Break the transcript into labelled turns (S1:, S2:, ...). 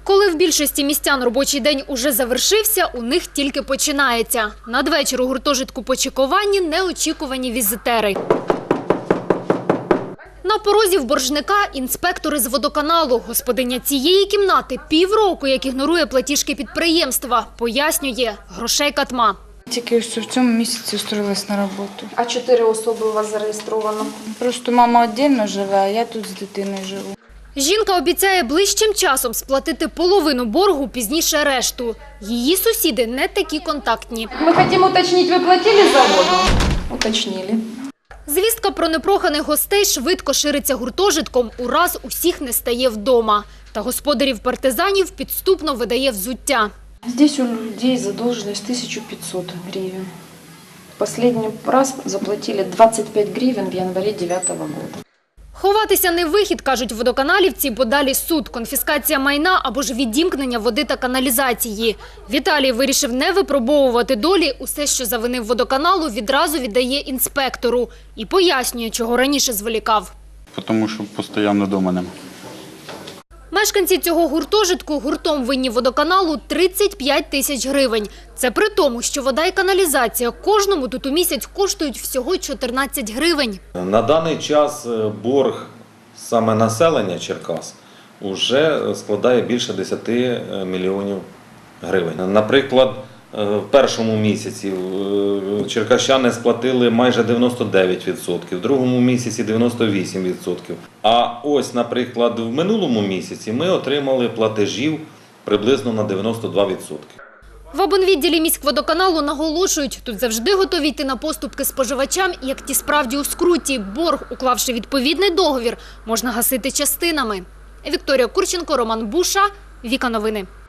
S1: Коли в більшості містян робочий день уже завершився, у них тільки починається. Надвечір у гуртожитку по чекуванні неочікувані візитери. На порозі в боржника інспектори з водоканалу. Господиня цієї кімнати півроку, як ігнорує платіжки підприємства. Пояснює – грошей катма.
S2: Тільки ось в цьому місяці устроїлась на роботу.
S3: А 4 особи у вас зареєстровано?
S2: Просто мама віддільно живе, а я тут з дитиною живу.
S1: Жінка обіцяє ближчим часом сплатити половину боргу, пізніше решту. Її сусіди не такі контактні.
S3: Мы хотим уточнить, вы платили за воду? Уточнили.
S1: Звістка про непроханих гостей швидко шириться гуртожитком, ураз усіх не стає вдома. Та господарів партизанів підступно видає взуття.
S3: Здесь у людей задолженность 1500 гривен. Последний раз заплатили 25 гривен в январе 2009 года.
S1: Ховатися не вихід, кажуть водоканалівці, бо далі суд, конфіскація майна або ж відімкнення води та каналізації. Віталій вирішив не випробовувати долі, усе, що завинив водоканалу, відразу віддає інспектору. І пояснює, чого раніше зволікав.
S4: Тому що постійно вдома нема.
S1: Мешканці цього гуртожитку гуртом винні водоканалу 35 тисяч гривень. Це при тому, що вода і каналізація кожному тут у місяць коштують всього 14 гривень.
S5: На даний час борг саме населення Черкас вже складає більше 10 мільйонів гривень. Наприклад, в першому місяці черкащани сплатили майже 99%, в другому місяці 98%. А ось, наприклад, в минулому місяці ми отримали платежів приблизно на 92%.
S1: В обонвідділі міськводоканалу наголошують, тут завжди готові йти на поступки споживачам, як ті справді у скруті. Борг, уклавши відповідний договір, можна гасити частинами. Вікторія Курченко, Роман Буша, Віка Новини.